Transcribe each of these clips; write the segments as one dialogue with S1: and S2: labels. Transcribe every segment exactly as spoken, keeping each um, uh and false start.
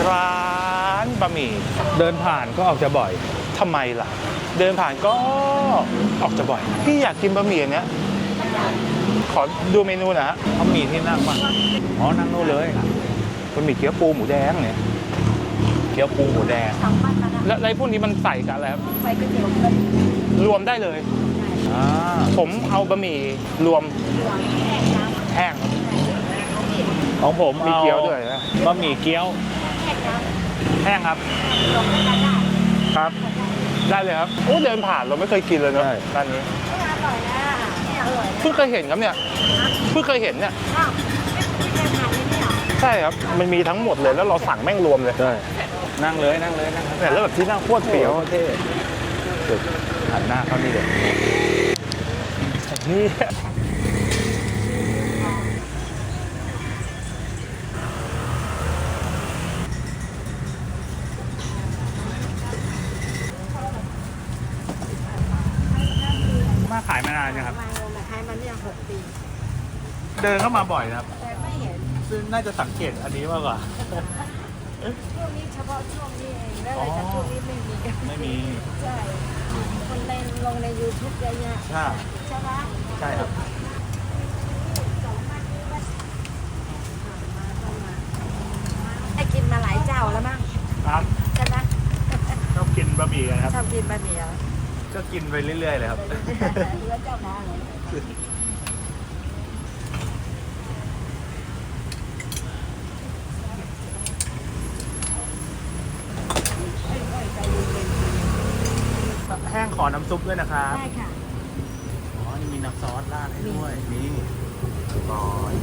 S1: ร้านบะหมี่
S2: เดินผ่านก็ออกจะบ่อย
S1: ทำไมล่ะเดินผ่านก็ออกจะบ่อยพี่อยากกินบะหมี่อันเนี้ยขอดูเมนูหนะฮะ
S2: เขามีที่นั่งป่ะอ๋อนั่งนู่นเลย
S1: บะหมี่เกี๊ยวปูหมูแดงเนี่ย
S2: เกี๊ยวปูหมูแดง
S1: แล้วอะไรพวกนี้มันใส่กับอะไรครับ
S3: ใส่ก๋วยเตี๋ยวเลย
S1: รวมได้เลย
S2: อ่า
S1: ผมเอาบะหมี่รวมแห้ง
S2: ของผม
S1: มี
S2: เอา
S1: เกี๊ยวด้วยนะ
S2: บะหมี่เกี๊ยวแห้งครับ
S1: ครับ ได้เลยครับโอ้เดินผ่านเราไม่เคยกินเลยเนาะร้านนี้
S3: อร่อยนะอร่อยนะ
S1: เพิ่งเคยเห็นครับเนี่ยเพิ่งเคยเห็นเนี่ย
S3: อ้าวไม่เคยทานเลยเนี่ย
S1: ใช่ครับมันมีทั้งหมดเลยแล้วเราสั่งแม่งรวมเลย
S2: ใช่นั่งเลยนั่งเลยนั่ง
S1: เนี่ยแล้วแบบที่นั่งโคตรเปรี้ยว
S2: เท่หันหน้าเข้านี่เลย
S1: นี่
S2: มาขายมานานยังครับ
S3: มามาขายมาเนี่ยหกปี
S2: เดินเข้ามาบ่อยนะครับ
S3: แต่ไม่เห็น
S2: ซึ่งน่าจะสังเกตอันนี้มากกว่า
S3: ช่วงนี้เฉพาะช่วงนี้เองแล้วอะไรจากช่วงนี้ไม่มีกัน
S2: ไม่มี
S3: ใช่คนเล่นลงใน ยูทูบ เยอะแยะ
S2: ใช่
S3: ใช่ไหม
S2: ใช่ครับ
S3: ได้กินมาหลายเจ้าแล้วมั้ง
S2: ครับ
S3: ใช่ไหม
S2: ชอบกินบะหมี่กันครับ
S3: ชอบกินบะหมี่เหรอ
S2: ก็กินไปเรื่อยๆเลยครับ
S3: เหลือเจ้ามาเลย
S2: แห้งขอน้ำซุปด้วยนะครับ
S3: ได้ค่ะ
S2: อ๋อนี่มีน้ำซอสราดให้ด้วยนี่ก่อน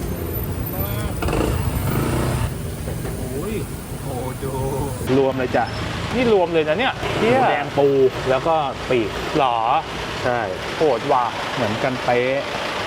S2: โอ้ยโอ้ดู
S1: รวมเลยจ้ะนี่รวมเลยนะเนี่ยเที่ย
S2: แดงปูแล้วก็ปีก
S1: หรอ
S2: ใช่
S1: โหดว่ะ
S2: เหมือนกันเป๊ะ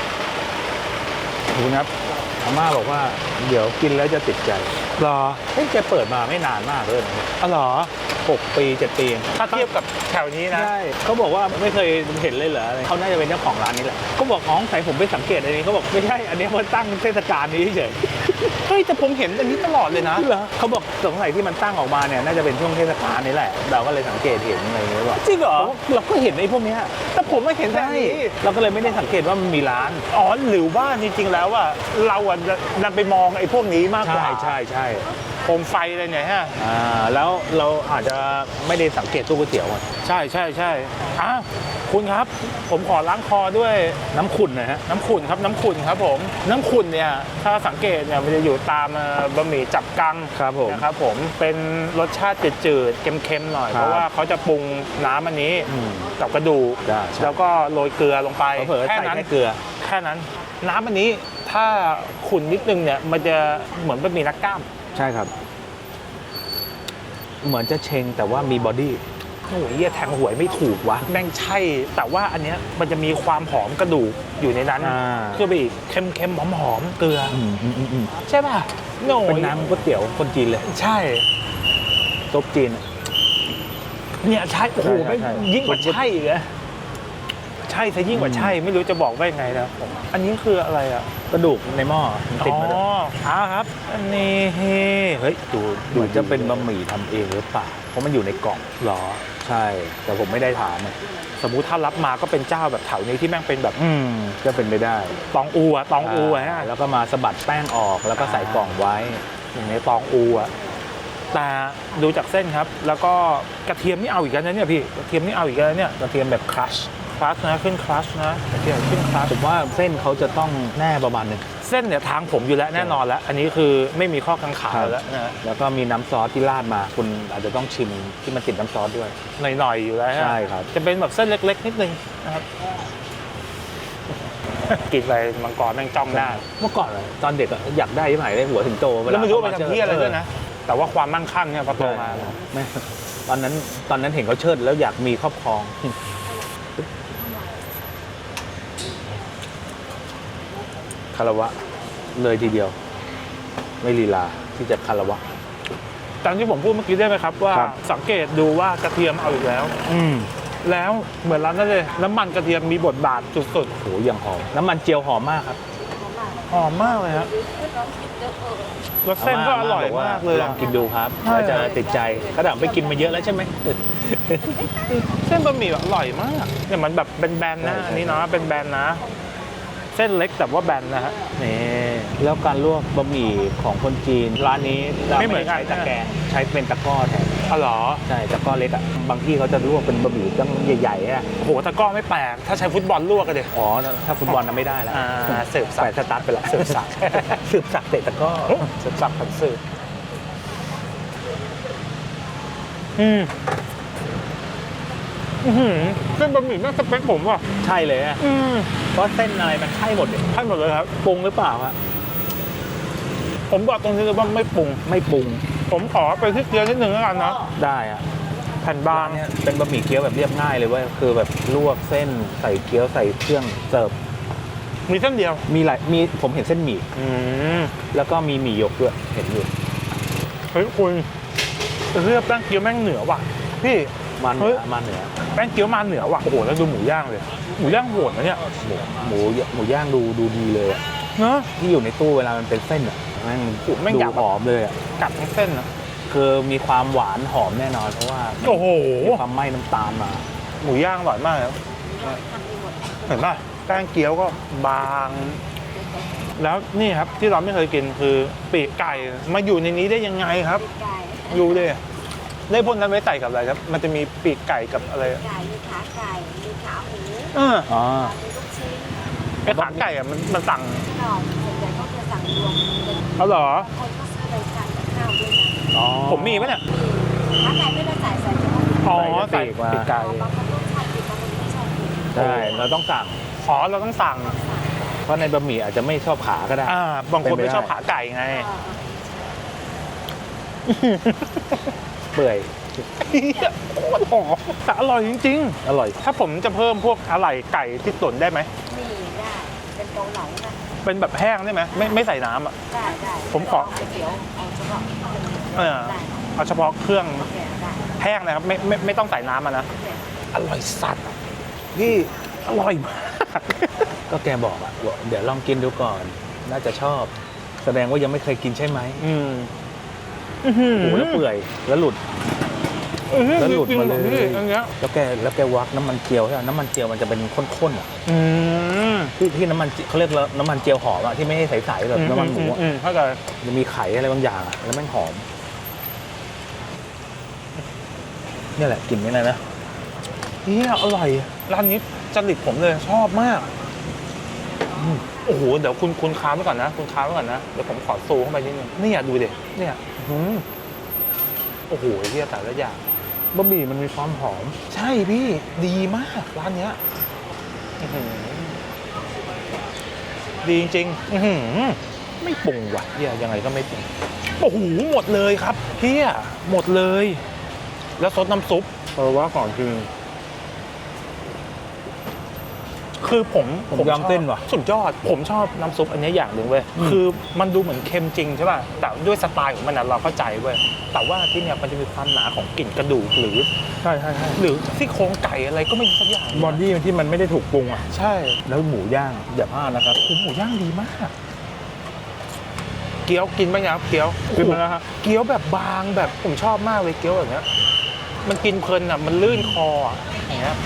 S2: ดูนะครับอาม่าบอกว่าเดี๋ยวกินแล้วจะติดใจ
S1: หรอ
S2: เฮ้ยแกเปิดมาไม่นานมากเลยนะ
S1: อ๋อหรอ
S2: หกปีเจ็ดปี
S1: ถ้าเทียบกับแถวนี้นะ
S2: ใช่เขาบอกว่าไม่เคยเห็นเลยเหรอเขาน่าจะเป็นเจ้าของร้านนี้แหละเขาบอกอ๋อใส่ผมไปสังเกตอันนี้เขาบอกไม่ใช่อันนี้มันตั้งเทศกาลนี้เฉย
S1: เฮ้ยแต่ผมเห็นอันนี้ตลอดเลยนะ
S2: เหรอเขาบอกสงสัยที่มันตั้งออกมาเนี่ยน่าจะเป็นช่วงเทศกาลนี้แหละเราก็เลยสังเกตเห็นอะไรอย่างเงี้ยว่า
S1: จริงเหรอ
S2: เราก็เห็นไอ้พวกเนี้ย
S1: แต่ผมไม่เห็นแต่
S2: ใช่
S1: นี้
S2: เราก็เลยไม่ได้สังเกตว่ามันมีร้าน
S1: อ๋อหรือว่าจริงๆแล้วอ่ะเราอ่ะดันไปมองไอ้พวกนี้มากกว่า
S2: ใช่ใช่ใช่
S1: โคมไฟอะไรเนี่ยฮะ
S2: อ่าแล้วเราอาจจะไม่ได้สังเกตตู้ก๋วยเตี๋ยวอะ
S1: ใช่ใช่ใช่อ่ะคุณครับ ผมขอล้างคอด้วย
S2: น้ำขุ่นนะฮะ
S1: น้ำขุ่นครับน้ำขุ่นครับผมน้ำขุ่นเนี่ยถ้าสังเกตเนี่ยมันจะอยู่ตามเอ่อบะหมี่จับกัง
S2: ครับผม
S1: นะครับผมเป็นรสชาติจืดๆเค็มๆหน่อย
S2: ครับ
S1: เพราะว่าเขาจะปรุงน้ำอันนี้
S2: อืม
S1: กับกระดูก
S2: ได้ใช่
S1: แล้วก็โรยเกลือลงไป
S2: เผลอๆ
S1: แค่
S2: ใส่
S1: นั้น
S2: แค่เกลือ
S1: แค่นั้น น้ำอันนี้ถ้าขุ่นนิดนึงเนี่ยมันจะเหมือนบะหมี่นักกล้าม
S2: ใช่ครับ เหมือนจะเชงแต่ว่ามีบอดี้
S1: โอ้ยเหี้ยแทงหวยไม่ถูกวะแม่งใช่ แต่ว่าอันเนี้ยมันจะมีความหอมกระดูกอยู่ในนั้น
S2: อ่า
S1: เพื่อไปอีกเค็มๆหอมๆเกลือ
S2: อืมอืมอืมอืม
S1: ใช่ป่ะโน่
S2: เป็นน้ำก๋วยเตี๋ยวคนจีนเลย
S1: ใช่
S2: ซุปจีน
S1: เนี่ยใช่โอ้โห
S2: ใช่
S1: ไม่
S2: ใช่
S1: ยิ่งกว่าใช่อีกนะใช่ซะยิ่งกว่าใช่ไม่รู้จะบอกว่ายังไงนะผมอันนี้คืออะไรอ่ะ
S2: กระดูกในหม้อมันติด
S1: อ๋อ
S2: มาด้วย
S1: อ่าครับ อันนี้เฮ้ยดู
S2: เหมือนจะเป็นบะหมี่ทำเองหรือเปล่าเพราะมันอยู่ในกล่อง
S1: หรอ
S2: ใช่ แต่ผมไม่ได้ถามอะ
S1: สมมุติถ้ารับมาก็เป็นเจ้าแบบแถวนี้ที่แม่งเป็นแบบ
S2: อืมก็เป็นไปได้
S1: ตองอูอะตองอูอะฮะ
S2: แล้วก็มาสะบัดแป้งออกแล้วก็ใส่กล่องไว้
S1: อย่างในตองอูอะแต่ดูจากเส้นครับ แล้วก็กระเทียมนี่เอาอีกแล้วนะเนี่ยพี่กระเทียมนี่เอาอีกแล้วเนี่ย
S2: กระเทียมแบบครัช
S1: คลัชนะขึ้นคลัชนะกระเทียมขึ้นคลัช
S2: ผมว่าเส้นเขาจะต้องแน่ประมาณหนึง
S1: เส้นเนี่ยทางผมอยู่แล้วแน่นอนแล้ว อันนี้คือไม่มีข้อกังขา
S2: ครับ
S1: แล้วนะ
S2: แล้วก็มีน้ำซอสที่ราดมา คุณอาจจะต้องชิมที่มันติดน้ำซอสด้วย
S1: หน่อยๆอยู่แล้วฮะ
S2: ใช่ครับ
S1: จะเป็นแบบเส้นเล็กๆนิดนึงนะครับ กินไปมังกรแม่งจ้องหน้า
S2: เมื่อก่อนอะตอนเด็กอะอยากได้ที่ไหนได้หัวถึงโตเว
S1: แล้ว
S2: ลา
S1: ไม่รู้ว่าไป
S2: เขาา
S1: ทำที่อะไรด้วยนะ แต่ว่าความมั่งคั่งเนี่ยพอโต
S2: ใช่
S1: มา
S2: ไม่ตอนนั้นตอนนั้นเห็นเขาเชิดแล้วอยากมีครอบครอง คารวะเลยทีเดียว ไม่ลีลาที่จะคารวะ
S1: ตามที่ผมพูดเมื่อกี้ได้ไหมครับว่า
S2: ครับ
S1: สังเกตดูว่ากระเทียมเอาอีกแล้ว
S2: อืม
S1: แล้วเหมือนร้านนั่นเลยน้ำมันกระเทียมมีบทบาทสุด
S2: โหอย่างหอมน้ำมันเจียวหอมมากครับ
S3: ผมว่า
S1: หอมมากเลยฮะ
S3: ลองคิดดูเออ
S1: แล้วเส้นก็อร่อยมากเลย
S2: ลองกินดูครับแล้วจะติดใจกระดับไปกินมาเยอะแล้วใช่ไหม
S1: เส้นบะหมี่แบบอร่อยมากเนี่ยมันแบบเป็นแบนๆนะ
S2: ใช่ใช่
S1: อันนี้เนาะเป็นแบนนะ เส้นเล็กแต่ว่าแบนนะฮะ
S2: นี่แล้วการลวกบะหมี่ของคนจีนร้านนี้จะ
S1: ไม่เหมือนกัน
S2: ใช้ตะแกรงใช้เป็นตะกร้อแทน
S1: อ๋อเหรอ
S2: ใช่ตะกร้อเล็กอ่ะบางที่เขาจะลวกเป็นบะหมี่ตั้งใหญ่ๆอ่ะ
S1: โอ้โหตะกร้อไม่แปลกถ้าใช้ฟุตบอลลวกกันเด็
S2: อ๋อถ้าฟุตบอลน่ะไม่ได้แล้ว
S1: อ่าเสิร์ฟสั
S2: ใส่
S1: ก
S2: สตาร์ทไปละ
S1: เสิร์ฟสัก
S2: สืบสักเตะตะกร้อ
S1: เสิร์ฟสักผัดเสิร์ฟอืมอื้อหือเส้นบะหมี่แม่งสเปคผมว่ะ
S2: ใช่เลยอะ
S1: อืม
S2: เพราะเส้นอะไรมันใช่หมดเลย
S1: ให้หมดเลยครับ
S2: ปรุงหรือเปล่าฮะ
S1: ผมบอกตรงนี้เลยว่าไม่ปรุง
S2: ไม่ปรุง
S1: ผมขอไปที่เกลือนิดนึงแล้วกันนะ
S2: ได้อะ
S1: แผ่นบาง
S2: เนี่ยเป็นบะหมี่เกี๊ยวแบบเรียบง่ายเลยเว้ยคือแบบลวกเส้นใส่เกี๊ยวใส่เครื่องเสิร์ฟ
S1: มีเส้นเดียว
S2: มีหลายมีผมเห็นเส้นหมี่
S1: อืม
S2: แล้วก็มีหมี่หยกด้วยเห็นอยู่
S1: เฮ้ยคุณเลือกแป้งเกี๊ยวแม่งเหนือว่ะพี่
S2: มันเห
S1: เฮ้
S2: นื
S1: ย
S2: อมันเหนือ
S1: แป้งเกี๊ยวมาเหนือว่ะโอ้โหแล้วดูหมูย่างเลยหมูย่างโหดนะเนี่ย
S2: หมูหมูหมูย่างดูดูดีเลยอะ
S1: เนอะ
S2: ที่อยู่ในตู้เวลามันเป็นเส้นอ่ะแม่ง
S1: โอ้โหแม่ง
S2: ดู
S1: อยากแบบ
S2: หอมเลยอ่ะ
S1: กัดทั้งเส้นนะ
S2: คือมีความหวานหอมแน่นอนเพราะว่า
S1: โอ้โห
S2: มีความไหม้น้ำตาลมา
S1: หมูย่างอร่อยมากเลยเห็นป่ะแป้งเกี๊ยวก็บาง แล้วนี่ครับที่เราไม่เคยกินคือปีกไก่มาอยู่ในนี้ได้ยังไงครับ
S3: ไก่
S1: ดูดิได้พวกนั้นไว้ใส่กับอะไรครับ มันจะมีปีกไก่กับอะไร
S3: ไก่มีขาไก่มีขาหมู
S1: เออ
S2: อ๋อ
S3: มีลูกชิ้น
S1: ไอขาไก่อะมันมันสั่ง
S3: หน่อส่วนใหญ่ก็จะสั่งรวมเป็น
S1: เอาเหรอ
S3: บางคนก็ซื้อไปทานกับข้าวด้วยนะ
S2: อ๋อ
S1: ผมมีไหมเนี่ย
S3: มีขาไก่ไม่ได้ใส่ใส่เฉพาะ
S1: อ๋อ
S2: ใส่
S1: ใส่
S2: ปีกมา
S1: ปีกไก่
S3: บางคนก็ชอบกินบางคนไม่ชอบกิน
S2: ใช่เราต้องสั่ง
S1: ขอเราต้องสั่ง
S2: เพราะในบะหมี่อาจจะไม่ชอบขาก็ได้
S1: อ่าบางคน
S2: เป็นไป
S1: ไม่
S2: ได้
S1: ชอบขาไก่ไง
S2: เปื่อย
S1: โคตรหอมแต่อร่อยจริง
S2: อร่อย
S1: ๆ ถ้าผมจะเพิ่มพวกอะไหล่ไก่ที่ตุ๋นได้ไหม
S3: นี่ได้เป็นเกาเหลานะ
S1: เป็นแบบแห้งได้ไหมไม่ไม่ใส่น้ำอ่ะ
S3: ได้ได้
S1: ผมขอ
S3: ก๋วยเตี๋ยวเอาเฉพาะ
S1: เออ
S3: ได้
S1: เอาเฉพาะเครื่อง
S3: โอเคได้
S1: แห้งนะครับไม่ไม่ไม่ต้องใส่น้ำอ่ะนะ
S3: โอเค
S1: อร่อยสัตว์พี่อร่อยมาก
S2: ก็แกบอกอ่ะบอกเดี๋ยวลองกินดูก่อน น่าจะชอบ แสดงว่ายังไม่เคยกินใช่ไหม
S1: อืม
S2: โอ้โหแล้วเปื่อยแล้วหลุด แล้วหลุดมาเลย
S1: พี่อันเนี้ย
S2: แล้วแกแล้วแกวักน้ำมันเจียวใช่ไหมน้ำมันเจียวมันจะเป็นข้นๆอ่ะ
S1: อืม
S2: ที่ที่น้ำมันเจีเขาเรียกว่าน้ำมันเจียวหอมอ่ะที่ไม่ให้ใสๆแบบน้ำมันหมูอะ
S1: อืเข้าใจ
S2: มันมีไข่อะไรบางอย่างอ่ะแล้วแม่งหอมนี่แหละกลิ่นนี่แหละนะ
S1: เฮียอร่อยร้านนี้จริตผมเลยชอบมากอืมโอ้โหเดี๋ยวคุณคุณค้างไว้ก่อนนะคุณค้างไว้ก่อนนะเดี๋ยวผมขอซูมเข้าไปนิดนึงเนี่ยดูดิเนี่ยอืมโอ้โหเฮียแต่ละอย่าง
S2: บะหมี่มันมีความหอม
S1: ใช่พี่ดีมากร้านเนี้ยอื้อหือดีจริงๆอื้อหือไม่ปรุงว่ะเฮียยังไงก็ไม่ปรุงโอ้โหหมดเลยครับเฮียหมดเลย แล้วซดน้ำซุป
S2: เพราะว่าก่อนคือ
S1: คือผม
S2: ผม
S1: ชอบ
S2: ยำเส้นว่ะ
S1: สุดยอด ผมชอบน้ำซุปอันนี้อย่างหนึ่งเว้ย
S2: อืม
S1: คือมันดูเหมือนเค็มจริงใช่ป่ะแต่ด้วยสไตล์ของมันนะเราเข้าใจเว้ยแต่ว่าที่เนี่ยมันจะมีความหนาของกลิ่นกระดูกหรือ
S2: ใช่ใช่ใช่
S1: หรือซี่โครงไก่อะไรก็ไม่รู้สักอย่าง
S2: บอดี้ที่มันไม่ได้ถูกปรุงอ่ะ
S1: ใช่
S2: แล้วหมูย่างอย่าพลาดนะครับ
S1: โอ้โหหมูย่างดีมาก เกี๊ยวกินบ้างยังครับเกี๊ยว
S2: กินมาแล้วฮะ
S1: เกี๊ยวแบบบางแบบผมชอบมากเลยเกี๊ยวแบบเนี้ยมันกินเพลินอ่ะมันลื่นคออ่ะอย่างเงี้ย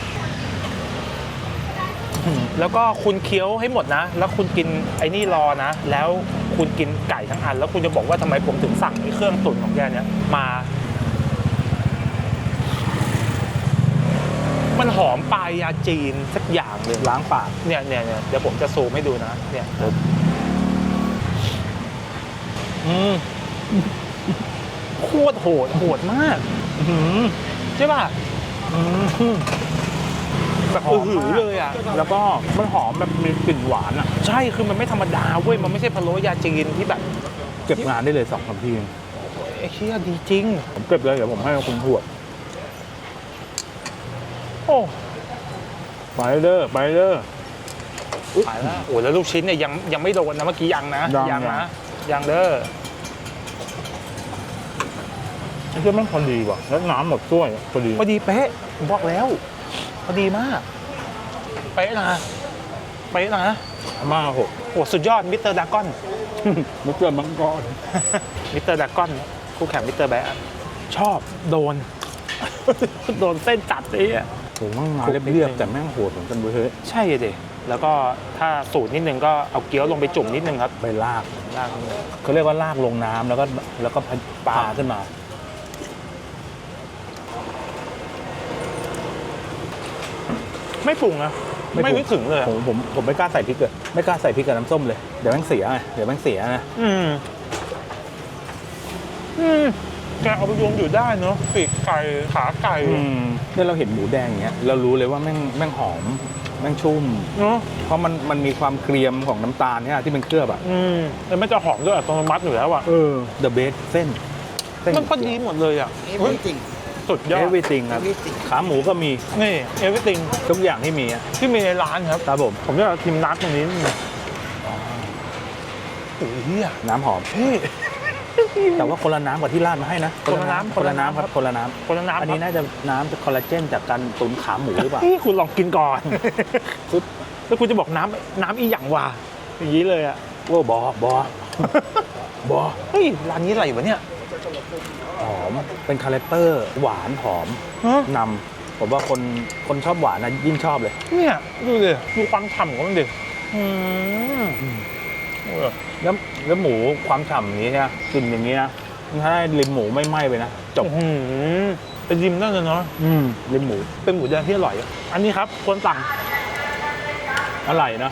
S1: แล้วก็คุณเคี้ยวให้หมดนะ แล้วคุณกินไอ้นี่รอนะ แล้วคุณกินไก่ทั้งอัน แล้วคุณจะบอกว่าทำไมผมถึงสั่งไอ้เครื่องตุ๋นของแกเนี้ยมา มันหอมปลายยาจีนสักอย่างเลย
S2: ล้างปาก
S1: เนี่ยเนี่ยเนี่ยเดี๋ยวผมจะซูมให้ดูนะเนี่ย
S2: อืม
S1: โคตรโหดโหดมากอื้อหือใช่ป่ะ
S2: อืม
S1: แบบ
S2: หอม
S1: หือ
S2: มาก
S1: เลยอ่ะ
S2: แล้วก็มันหอมแบบมีกลิ่นหวานอ่ะ
S1: ใช่คือมันไม่ธรรมดาเว้ยมันไม่ใช่พะโล้ยาจีนที่แบบ
S2: เก็บงานได้เลยสองสามที
S1: ไอ้เชี่ยดีจริง
S2: ผมเก็บเลยเดี๋ยวผมให้คุณถวด
S1: โอ้
S2: ไปเด้อไปเด้อ
S1: ตายแล้วโอ้แล้วลูกชิ้นเนี่ยยังยังไม่โดนนะเมื่อกี้ยังนะ
S2: ยัง
S1: นะยังเด้อ
S2: ไอ้เจ้ามันพอดีว่ะแล้วน้ำหมดถ้วยพอดี
S1: พอดีเป๊ะผมบอกแล้วพอดีมากเป๊ะนะไปนะ
S2: อาม่าหก
S1: โอ้สุดยอดมิสเตอร์ดากอน
S2: มุกเกินมังกร
S1: มิสเตอร์ดากอนคู่แข่งมิสเตอร์แบะชอบโดน โดนเส้นจัดเลยอ่ะ
S2: โหมั่งมาเรียบๆแต่แม่งโหดเหมือนกันเว้ย
S1: ใช่เลยแล้วก็ถ้าสูตรนิดนึงก็เอาเกี๊ยวลงไปจุ่มนิดนึงครับ
S2: ไปลาก
S1: ลากนิดนึง
S2: เขาเรียกว่าลากลงน้ำแล้วก็แล้วก็ปลาขึ้นมา
S1: ไม่ปรุงนะ
S2: ไม่ปรุง
S1: ไม่นึกถึงเลยอะ
S2: ผมผมผมไม่กล้าใส่พริกเลยไม่กล้าใส่พริกกับน้ำส้มเลยเดี๋ยวแม่งเสียไงเดี๋ยวแม่งเสียนะ
S1: อืมอืมแกเอาไปรวมอยู่ได้เนาะปีกไก่ขาไก่
S2: อืมเนี่ยเราเห็นหมูแดงอย่างเงี้ยเรารู้เลยว่าแม่งแม่งหอมแม่งชุ่ม
S1: เนาะ
S2: เพราะมันมันมีความเกรียมของน้ำตาลเนี่ยที่มันเคลือบอ่ะ
S1: อืมแล้วมันจะหอมด้วยอัตโนมัติอยู่แล้วอ่ะ
S2: เออ the best เส้นเส้น
S1: มันพอดีหมดเลยอ่ะ
S3: เอฟ
S1: เฮ้ย
S3: วีติง
S1: สุดยอด
S2: everything ครับ
S3: everything
S2: ขาหมูก็มี
S1: นี่เอวิติง
S2: ทุกอย่างที่มีอะ
S1: ที่มีในร้านครับ
S2: ครับผม
S1: ผมจะชิมน้ำตรงนี้นิดนึงโอ้ยเฮีย
S2: น้ำหอม
S1: พี่
S2: แต่ว่าคนละน้ำกว่าที่ราดมาให้นะ
S1: คนละน้ำ
S2: คนละน้ำครับคนละน้ำ
S1: คนละน้ำ
S2: อันนี้น่าจะน้ำคอลลาเจนจากการตุ๋นขาหมูหรือเปล่า
S1: พี่คุณลองกินก่อน ปุ๊บแล้วคุณจะบอกน้ำน้ำอีหยังวะอย่างนี้เลยอ่ะ
S2: โอ้บอบอบอ
S1: เฮ้ยร้านนี้อะไรวะเนี่ย
S2: หอมเป็นคาแรคเตอร์หวานหอม
S1: ฮะ
S2: นำผมว่าคนคนชอบหวานนะยิ่งชอบเลย
S1: เนี่ยดูดิดูความฉ่ำของมันดิอืมโอ้ย
S2: แล้วแล้วหมูความฉ่ำอย่างนี้เนี่ยกลินอย่างนี้นะถ้าได้ริมหมูไม่ไหม้ไปนะจบ
S1: อื้อหือเป็นริมนั่นเลยเนาะ
S2: อืมริมหมู
S1: เป็นหมูแดงที่อร่อยอะอันนี้ครับควรสั่ง
S2: อร่อยนะ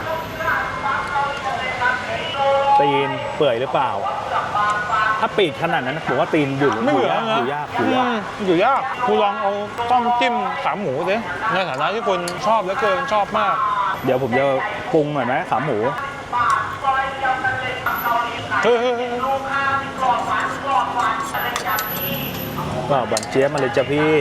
S2: ตีนเปื่อยหรือเปล่า ถ้าปีกขนาดนั้นผมว่าตีนอยู่
S1: ไม่เหลือ
S2: อ
S1: นะ
S2: ยู่ยากอยู่ยาก
S1: อืมอยู่ยากคุณลองเอาต้มจิ้มขาหมูสิในฐานะที่คนชอบเหลือเกินชอบมาก
S2: เดี๋ยวผมจะปรุงหน่อยไหมขาหมู
S1: เฮ้ยเฮ้ยเฮ้ย
S2: ก็บันเจี๊ยบมาเลยจ้ะพี่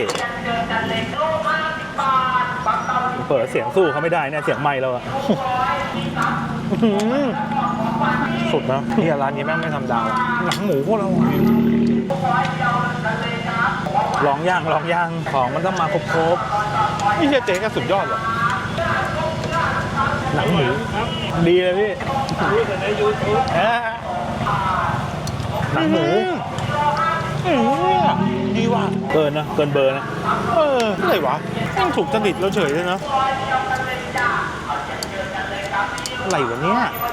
S2: เปิดเสียงสู้เขาไม่ได้เนี่ยเสียงไม่เราอะ
S1: อื้อหือสุดนะเนี่ยร้านนี้แม่งไม่ทำดาวหนังหมูพวกเราอะ
S2: ลองย่างลองย่างของมันต้องมาครบ
S1: นี่เฮียเจ๊ก็สุดยอดเหรอ
S2: ๆหนังหมูดีเลยพี่ หนังหมู
S1: อืมเนี่ยดีว่ะ
S2: เกินนะเกินเบอร์นะ
S1: เอออะไรวะแม่งถูกจริตเราเฉยเลยเนาะอะไรวะเนี่ย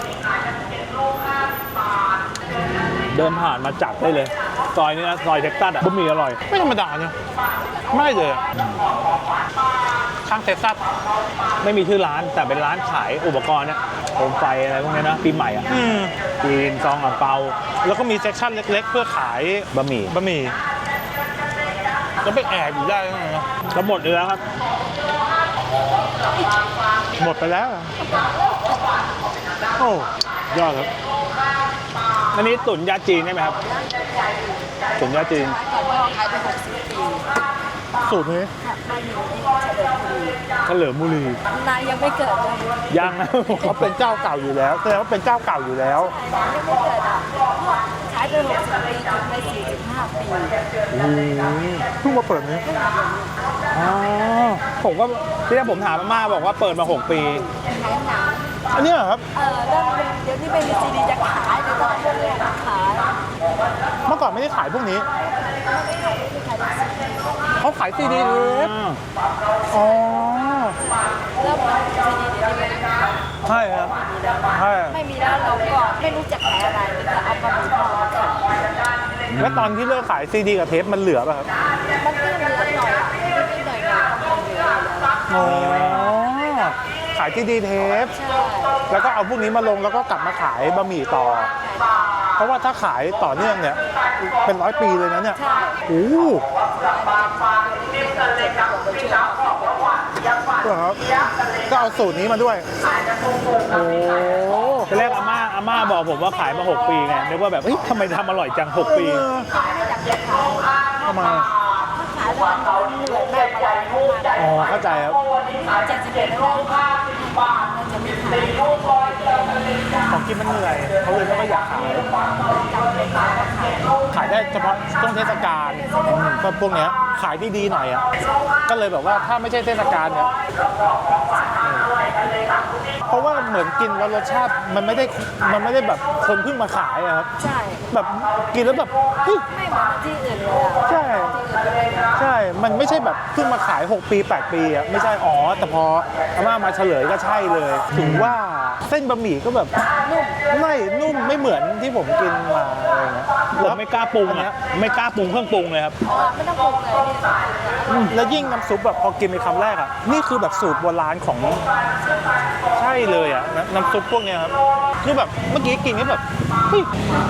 S2: เดินผ่านมาจัดได้เลยซอยนี้นะซอยเท็กซัสอ่ะบะหมี่อร่อย
S1: ไม่ธรรมดาเนี่ยไม่เลยอะข้างเท็กซัส
S2: ไม่มีชื่อร้านแต่เป็นร้านขายอุปกรณ์เนี่ยโคมไฟอะไรพวกนี้นะปีใหม่อ่ะ
S1: อืม
S2: จีนซองอ่างเปา
S1: แล้วก็มีเซ็กชันเล็กๆ เพื่อขาย
S2: บะหมี่
S1: บะหมี่แล้วไปแอบอยู่ได้ยังไงนะ
S2: ก็หมดเลยแล้วครับ
S1: หมดไปแล้วอะโอ้ยอดครับ
S2: อันนี้ตุ๋นยาจีนใช่ไหมครับตุ๋นยาจีน
S3: ก่อนพ่อขายไปหกสิบปี
S1: สูตรนี้
S3: ค่ะบ้านอยู่ที่เฉลิมบุรี
S2: เฉลิมบุรี
S3: นายยังไม่เกิดเลย
S2: ยังนะ
S1: เขาเป็นเจ้าเก่าอยู่แล้วแสดงว่าเป็นเจ้าเก่าอยู่แล้ว
S3: ยังไม่เกิดอ่ะพ่อขายไปหกสิบปีจนไปสี่สิบห้าปี
S1: เพิ่งมาเปิดนี้
S2: อ๋อผมก็ที่ผมถามอาม่าบอกว่าเปิดมาหกปี
S3: ขายหนัง
S1: อันเนี้ยเหรอครับ
S3: เออแล้วเดี๋ยวนี้ไม่มีซีดีจะขายเดี๋ยวต้องเอาพวกนี้มาขาย
S1: เมื่อก่อนไม่ได้ขายพวกนี้
S3: ไม่ขายไม่ขายซีดี
S1: เขาขายซีดีเทปอ๋อ
S3: แล้วมันซีดีเดี๋ยวนี้ไม่ขาย
S1: ใช่ครับใช่
S3: ไม่มีแล้วเราก็ไม่รู้จะขายอะไรมีแต่เอาปลาหมึกทอดมาขาย
S1: แล้วตอนที่เลิกขายซีดีกับเทปมันเหลือป่ะครับ
S3: มันก็เหลือหน่อยอ่ะนิดหน่อยหน่อยก็เหลือแล้ว
S1: อ๋อขายซีดีเทป
S3: ใช่
S1: แล้วก็เอาพวกนี้มาลงแล้วก็กลับมาขายบะหมี่ต่อ เพราะว่าถ้าขายต่อเนื่องเนี่ย เป็นร้อยปีเลยนะเนี่ย
S3: ใช่
S1: โอ้โหครับก็เอาสูตรนี้มาด้วย โอ้
S2: ตอนแรกอาม่าอาม่าบอกผมว่าขายมาหกปีไงนึกว่าแบบเฮ้ยทำไมทำอร่อยจังหกปี
S1: เออ
S3: ไม่อยากจะขาย
S1: เข้ามา
S3: ถ้าขายแล้วมันเหนื่อยมากอะไรมาก
S1: อ๋อ เข้าใจครับ
S3: เจ็ดสิบเอ็ดแล้วมันจะมีขาย
S1: ของกินมันเหนื่อยเขาเลยไม่ค่อยอยากขาย ขายได้เฉพาะช่วงเทศกาลก็พวกเนี้ยขายดีๆหน่อยอ่ะ ก็เลยแบบว่าถ้าไม่ใช่เทศกาลเนี่ย
S2: เพราะว่าเหมือนกินแล้วรสชาติมันไม่ได้มันไม่ได้แบบคนเพิ่งมาขายอะครับ
S3: ใช่
S2: แบบกินแล้วแบบเฮ้ย
S3: ไม่เหมือนที่อื่นเลยอ่ะ
S2: ใช่
S3: ที่อื่นเลย
S2: ใช่ มันไม่ใช่แบบเพิ่งมาขายหกปีแปดปีอะไม่ใช่อ๋อแต่พออาม่ามาเฉลยก็ใช่เลยถึงว่าเส้นบะหมี่ก็แบบนุ่มไม่นุ่มไม่เหมือนที่ผมกินมาอะไรเงี้ย
S4: ผมไม่กล้าปรุงอ่ะไม่กล้าปรุงเครื่องปรุงเลยครับ
S3: อ๋อไม่ต้องปรุงเลยเนี่ย
S2: แล้วยิ่งน้ำซุปแบบพอกินในคำแรกอ่ะนี่คือแบบสูตรโบราณของใช่เลยอ่ะน้ำน้ำซุปพวกเนี้ยครับคือแบบเมื่อกี้กินก็แบบเฮ้ย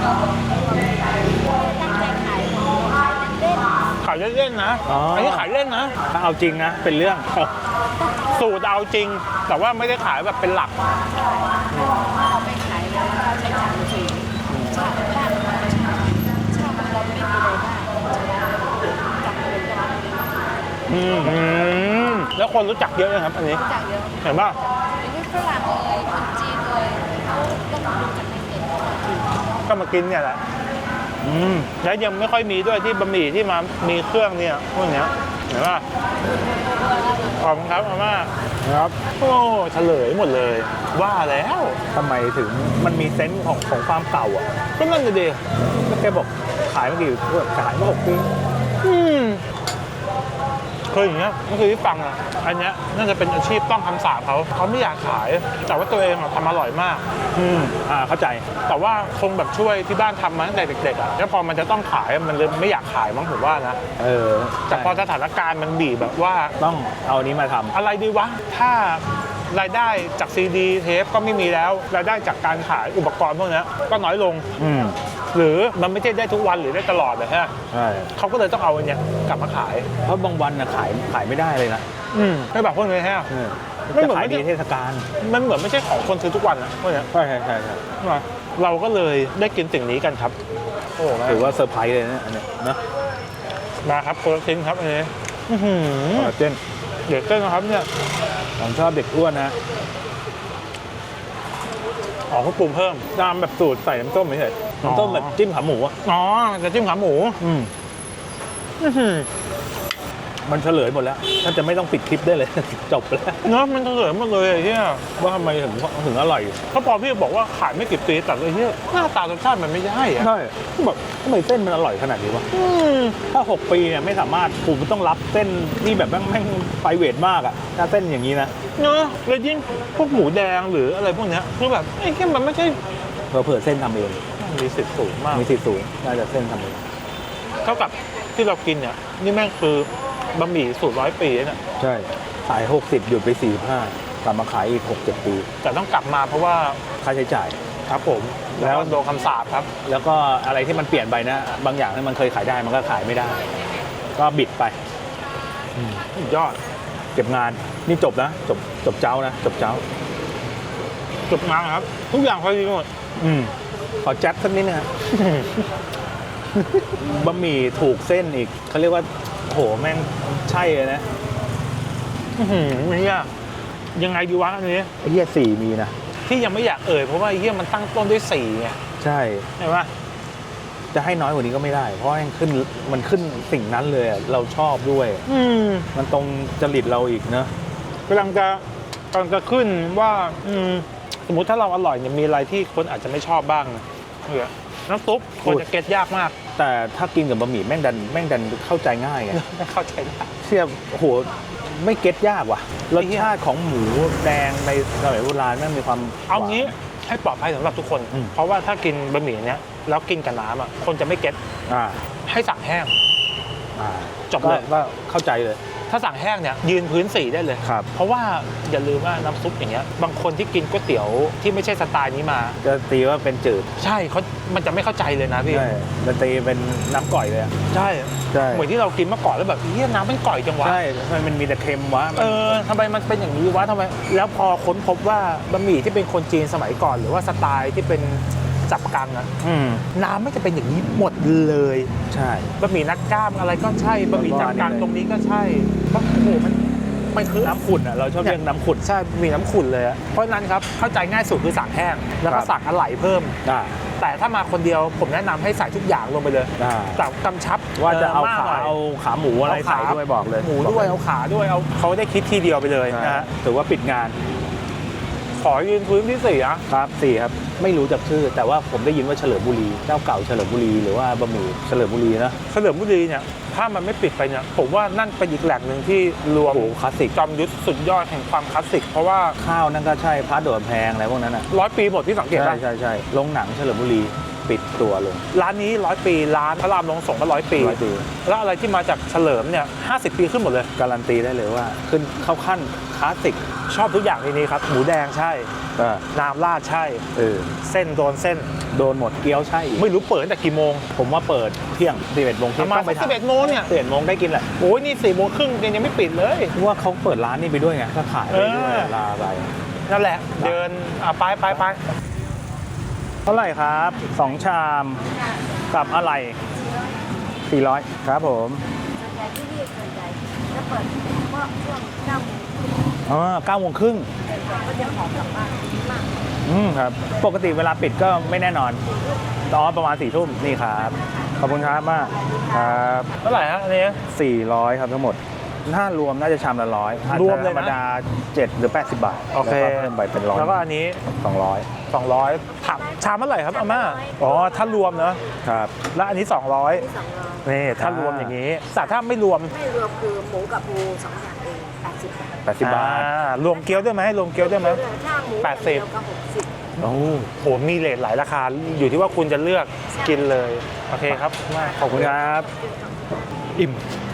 S3: ตั้งใจขายขายเล่น
S1: ขายเล่นๆนะ
S2: อ๋ออั
S1: นนี้ขายเล่นนะ
S4: ถ้าเอาจริงนะเป็นเรื่อง
S1: สูตรเอาจริง แต่ว่าไม่ได้ขายแบบเป็นหลัก
S3: เอาไปขายแล้วก็ใช้จ่ายสูงชาติบ้านเราชาติเราไม่มีเลยบ้างจับเป็นร้าน
S2: อืม
S1: อืมแล้วคนรู้จักเยอะนะครับ อันนี้
S3: จากเยอะ
S1: เห็นป่ะ
S3: ไม่ได้ฝรั่งเลยคนจีนเลยเขาต้องดูจากในเน็ตเขามากิน
S1: ก็มากินเนี่ยแหละ อืมแล้วยังไม่ค่อยมีด้วยที่บะหมี่ที่มามีเครื่องเนี่ยพวกเนี้ยเห็นป่ะขอบคุณครับอาม่า
S2: ครับ
S1: โอ้เฉลยหมดเลย ว่าแล้ว
S2: ทำไมถึงมันมีเซนส์ของของความเก่าอ่ะ
S1: ก็นั่นเลยดิ
S2: ก็แกบอกขายมากี่ขายมาหกปี
S1: อืมเคยอย่างเงี้ยก็คือที่ฟังอ่ะอันเนี้ยน่าจะเป็นอาชีพต้องคำสาปเขาเขาไม่อยากขาย แต่ว่าตัวเองอะทำอร่อยมาก
S2: อืมอ่าเข้าใจ
S1: แต่ว่าคงแบบช่วยที่บ้านทำมาตั้งแต่เด็กๆอ่ะแล้วพอมันจะต้องขายมันเลยไม่อยากขายมั้งผมว่านะ
S2: เออ
S1: แต่พอสถานการณ์มันบีบแบบว่า
S2: ต้องเอาอันนี้มาทำ
S1: อะไรดีวะ ถ้ารายได้จากซีดีเทปก็ไม่มีแล้ว รายได้จากการขายอุปกรณ์พวกเนี้ยก็น้อยลง
S2: อืม
S1: หรือมันไม่ใช่ได้ทุกวันหรือได้ตลอดนะฮะ
S2: ใช่
S1: เขาก็เลยต้องเอาอันเนี้ยกลับมาขาย
S2: เพราะบางวันนะขายขายไม่ได้เลยนะ
S1: อืมไม่แบบพวกนี้ฮะ
S2: เออ
S1: ไม่เหมื
S2: จะ
S1: อน
S2: ขาย
S1: ไม่
S2: ดี
S1: ได้
S2: เทศกาล
S1: มันเหมือนไม่ใช่ของคนซื้อทุกวันนะพวกเนี้ย
S2: ใช่ใช่ใช่ใช่
S1: เราก็เลยได้กินสิ่งนี้กันครับ โอ้โห
S2: ถือว่าเซอร์ไพรส์เลยนะอันเนี้ยนะ
S1: มาครับคนละชิ้นครับอันนี้อื้อหือ
S2: คอลลาเจน
S1: เดี๋ยวเต้นนะครับเนี่ย
S2: ผมชอบเด็กอ้วนนะ
S1: อ๋อเขาปรุงเพิ่ม
S2: ตามแบบสูตรใส่น้ำส้มไม่ใช่น้ำส้มแบบจิ้มขาหมูอ่ะ
S1: อ๋อจะจิ้มขาหมู
S2: อืม
S1: อื้อหือ
S2: มันเฉลยหมดแล้วถ้าจะไม่ต้องปิดคลิปได้เลย จบแล้ว
S1: เนาะมันเฉลยหมดเลยไอ้เฮีย
S2: ว่าทำไมถึงถึงอร่อย
S1: เขาพอพี่บอกว่าขายไม่กี่ปีแต่ไอ้เฮียหน้าตารสชาติมันไม่ใช่อะ
S2: ใช่แบบทำไมเส้นมันอร่อยขนาดนี้วะ
S1: อืม
S2: ถ้าหกปีเนี่ยไม่สามารถผมต้องรับเส้นที่แบบแม่งแม่งไฟเวทมากอะถ้าเส้นอย่างนี้นะ
S1: เนาะแล้วยิ่งพวกหมูแดงหรืออะไรพวกเนี้ยคือแบบไอ้เฮียมันไม่ใช่
S2: เผื่อๆเส้นทำเอง
S1: มีสิทธิ์สูงมาก
S2: มีสิทธิ์สูงน่าจะเส้นทำเอง
S1: เท่ากับที่เรากินเนี่ยนี่แม่งคือบะหมี่สูตรร้อยปีเนี่ย
S2: ใช่ขายหกสิบหยุดไปสี่สิบห้ากลับมาขายอีกหกเจ็ดปี
S1: แต่ต้องกลับมาเพราะว่า
S2: ค่าใช้จ่าย
S1: ครับผมแล้วโดนคำสาปครับ
S2: แล้วก็อะไรที่มันเปลี่ยนไปนะ บางอย่างที่มันเคยขายได้มันก็ขายไม่ได้ ก็บิดไป
S1: สุดยอด
S2: เก็บงานนี่จบนะจบจบเจ้านะจบเจ้า
S1: จบงานครับ ทุกอย่างพอดีหมด
S2: อืมขอแจ๊บสักนิดนะฮะ บะหมี่ถูกเส้นอีกเขาเรียกว่าโหแม่งใช่เลยนะ
S1: อื้อหือไอ้เฮียยังไงดีวะอันนี้
S2: ไอ้เหี้ยสี่มีนะ
S1: ที่ยังไม่อยากเอ่ยเพราะว่าไอ้เฮียมันตั้งต้นด้วยสี่ไง
S2: ใช่
S1: เห็นปะ
S2: จะให้น้อยกว่านี้ก็ไม่ได้ เพราะมันขึ้นมันขึ้นสิ่งนั้นเลยอะเราชอบด้วย
S1: อืม
S2: มันตรงจริตเราอีกเนอะ
S1: กำลังจะกำลังจะขึ้นว่าอืมสมมุติถ้าเราอร่อยเนี่ยมีอะไรที่คนอาจจะไม่ชอบบ้างเนี่ยน้ำซุปคนจะเก็ตยากมาก
S2: แต่ถ้ากินกับบะหมี่แม่งดันแม่งดันเข้าใจง่ายไง
S1: ไม่เข้าใจได้
S2: เทียบโอ้โหไม่เก็ตยากว่ะรสชาติของหมูแดงในสมัยโบราณแม่งมีความ
S1: เอางี้ให้ปลอดภัยสำหรับทุกคน
S2: อืม
S1: เพราะว่าถ้ากินบะหมี่เนี้ยแล้วกินกับน้ำอ่ะคนจะไม่เก็ต
S2: อ่า
S1: ให้สั่งแห้ง
S2: อ่า
S1: จบเลย
S2: ก็ก็เข้าใจเลย
S1: ถ้าสั่งแห้งเนี่ยยืนพื้นสี่ได้เลย
S2: ครับ
S1: เพราะว่าอย่าลืมว่าน้ำซุปอย่างเงี้ยบางคนที่กินก๋วยเตี๋ยวที่ไม่ใช่สไตล์นี้มา
S2: จะตีว่าเป็นจืด
S1: ใช่เขามันจะไม่เข้าใจเลยนะพี่
S2: ใช่จะตีเป็นน้ำก่อยเลยอะ
S1: ใช่
S2: ใช่
S1: เหมือนที่เรากินเมื่อก่อนแล้วแบบเฮียน้ำมันก่อยจังวะ
S2: ใช่ทำไมมันมีแต่เค็มวะมัน
S1: เออทำไมมันเป็นอย่างนี้วะทำไมแล้วพอค้นพบว่าบะหมี่ที่เป็นคนจีนสมัยก่อน หรือว่าสไตล์ที่เป็นจับกังอะ
S2: อืม
S1: น้ำไม่จะเป็นอย่างนี้หมดเลย
S2: ใช่
S1: บะหมี่นักกล้ามอะไรก็ใช่บะหมี่จับกังตรงนี้ก็ใช่เพราะโอ้โหมันมันคือ
S2: น้ำขุ่นอ่ะเราชอบเรียกน้ำขุ่น
S1: ใช่มีน้ำขุ่นเลยอะเพราะฉะนั้นครับเข้าใจง่ายสุดคือสั่งแห้งแล้วก็
S2: ครับ
S1: สั่งอะไหล่เพิ่ม
S2: อ่า
S1: แต่ถ้ามาคนเดียวผมแนะนำให้ใส่ทุกอย่างลงไปเลย
S2: อ่า
S1: แต่กำชับ
S2: ว่าจะเอา
S1: มก
S2: ขา
S1: หน่ย
S2: เอาขาหมูอะไร
S1: เอาขา
S2: ใส่ด้วยบอกเลย
S1: หมูด้วยเอาขาด้วยเอาเขาได้คิดทีเดียวไปเลย
S2: ใช่
S1: นะฮะ
S2: ถือว่าปิดงาน
S1: ขอยืนพื้นที่สี่อะ
S4: ครับสี่ครับ ไม่รู้จักชื่อ แต่ว่าผมได้ยินว่าเฉลิมบุรี เจ้าเก่าเฉลิมบุรีหรือว่าบะหมี่เฉลิมบุรีนะ
S1: เฉลิมบุรีเนี่ยถ้ามันไม่ปิดไปเนี่ยผมว่านั่นเป็นอีกแหล่งหนึ่งที่รวม
S4: โอ้โหคลาสสิก
S1: จอมยุทธสุดยอดแห่งความคลาสสิกเพราะว่า
S4: ข้าวนั่นก็ใช่พาร์ทโดดแพงอะไรพวกนั้นอ่ะ
S1: ร้อยปีหมดที่สังเกต
S4: ใช่
S1: ป่ะ
S4: ใช่ใช่โรงหนังเฉลิมบุรีปิดตัวลง
S1: ร้านนี้ร้อยปีร้านพระรามลงสงฆ์ก็ร้อยปี
S4: ร้อยปี
S1: แล้วอะไรที่มาจากเฉลิมเนี่ยห้าสิบปีขึ้นหมดเลย
S4: การันตีได้เลยว่า ขึ้นเข้าขั้นคลาสสิก
S1: ชอบทุกอย่างในนี้ครับหมูแดงใช่
S4: อ่า
S1: น้ำราดใช่
S4: เออ
S1: เส้นโดนเส้น
S4: โดนหมดเกี๊ยวใช่อีก
S1: ไม่รู้เปิดตั้งแต่กี่โมง
S4: ผมว่าเปิดเที่ยงสิบเอ็ดโมง
S1: ป
S4: เที่ย
S1: ระ
S4: ง
S1: มาณ
S4: ต้องไป
S1: สิบเอ็ดโมงเนี่ย
S4: สิบเอ็ดโมงได้กินแหละ
S1: โอ้ยนี่สี่โมงครึ่งยังไม่ปิดเลย
S4: เพราะว่าเขาเปิดร้านนี้ไปด้วยไงก็ขายไปด้วย
S1: เออ
S4: ลาไป
S1: นั่นแหละ เดินอ่ะไปไปไป
S4: เท่าไหร่ครับสองชามกับอะไรสี่ร้อยครับผม
S3: ส่วนใหญ่ที่นี่ส่วนใหญ่จะเปิดเมื่อช่วงเก้าโมง
S4: อ๋อเก้าโมงครึ่ง
S3: ก็จะหอมกลับบ้านมาก
S4: อืมครับ ปกติเวลาปิดก็ไม่แน่นอนตอนประมาณสี่ทุ่มนี่ครับ ขอบคุณครับมากครับ
S1: เท่าไหร่ฮะอันนี้
S4: สี่ร้อยครับทั้งหมด ถ้ารวมน่าจะชามละร้อย
S1: รวมเลยนะ
S4: ธรรมดาเจ็ดหรือแปดสิบบาท
S1: โอเค
S4: แล้วก็เพิ่มไปเป็นร้อย
S1: แล้วก็อันนี้
S4: สองร้อย
S1: สองร้อยถามชามเท่าไหร่ครับอาม่าอ๋อถ้ารวมเนอะ
S4: ครับ
S1: แล้วอันนี้สองร้อย
S3: ที่สองร้อย
S1: นี่ถ้ารวมอย่างนี้แต่ถ้าไม่รวม
S3: ไม่รวมคือหมูกับปูสองอย่างเองแปดสิบบาท
S4: แปดสิบบาท
S1: อ่รวมเกี๊ยวด้วยไหมรวมเกี๊ยวด้วยไหม
S3: ถ้าหมู
S1: แปดสิบ
S3: เดียวก็หกสิบ
S4: โอ้
S1: โหมีเลทหลายราคาอยู่ที่ว่าคุณจะเลือกกินเลยโอเคครับ
S4: ขอบคุณครับ อิ่ม